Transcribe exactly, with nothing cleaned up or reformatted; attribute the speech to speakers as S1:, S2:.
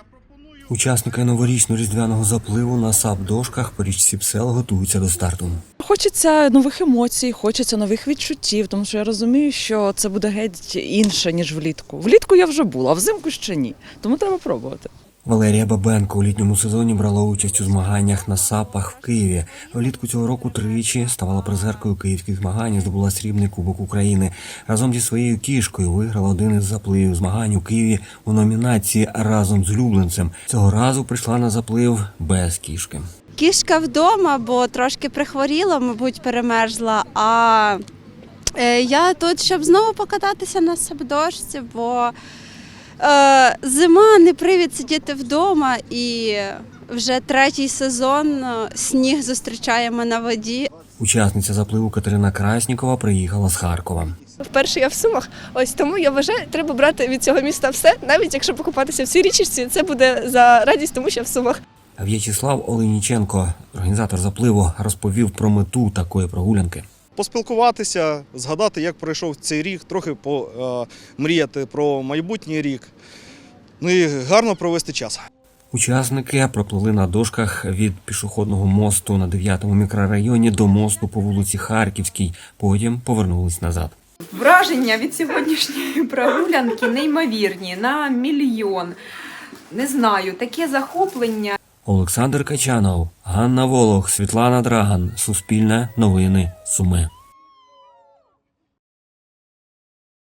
S1: Учасники новорічно-різдвяного запливу на сап-дошках по річці Псел готуються до старту.
S2: Хочеться нових емоцій, хочеться нових відчуттів, тому що я розумію, що це буде геть інше, ніж влітку. Влітку я вже була, а взимку ще ні, тому треба пробувати.
S1: Валерія Бабенко у літньому сезоні брала участь у змаганнях на сапах в Києві. Влітку цього року тричі ставала призеркою київських змагань і здобула срібний кубок України. Разом зі своєю кішкою виграла один із запливів змагань у Києві у номінації «Разом з улюбленцем». Цього разу прийшла на заплив без кішки.
S3: Кішка вдома, бо трошки прихворіла, мабуть, перемерзла, а я тут, щоб знову покататися на сап-дошці, бо Е, зима, не привід сидіти вдома, і вже третій сезон сніг зустрічаємо на воді.
S1: Учасниця запливу Катерина Краснікова приїхала з Харкова.
S4: Вперше я в Сумах, ось тому я вважаю, треба брати від цього міста все, навіть якщо покупатися в цій річці, це буде за радість, тому що я в Сумах.
S1: В'ячеслав Оленіченко, організатор запливу, розповів про мету такої прогулянки.
S5: Поспілкуватися, згадати, як пройшов цей рік, трохи помріяти про майбутній рік, ну і гарно провести час.
S1: Учасники проплили на дошках від пішохідного мосту на дев'ятому мікрорайоні до мосту по вулиці Харківській, потім повернулись назад.
S6: Враження від сьогоднішньої прогулянки неймовірні, на мільйон. Не знаю, таке захоплення.
S1: Олександр Качанов, Ганна Волох, Світлана Драган. Суспільне новини Суми.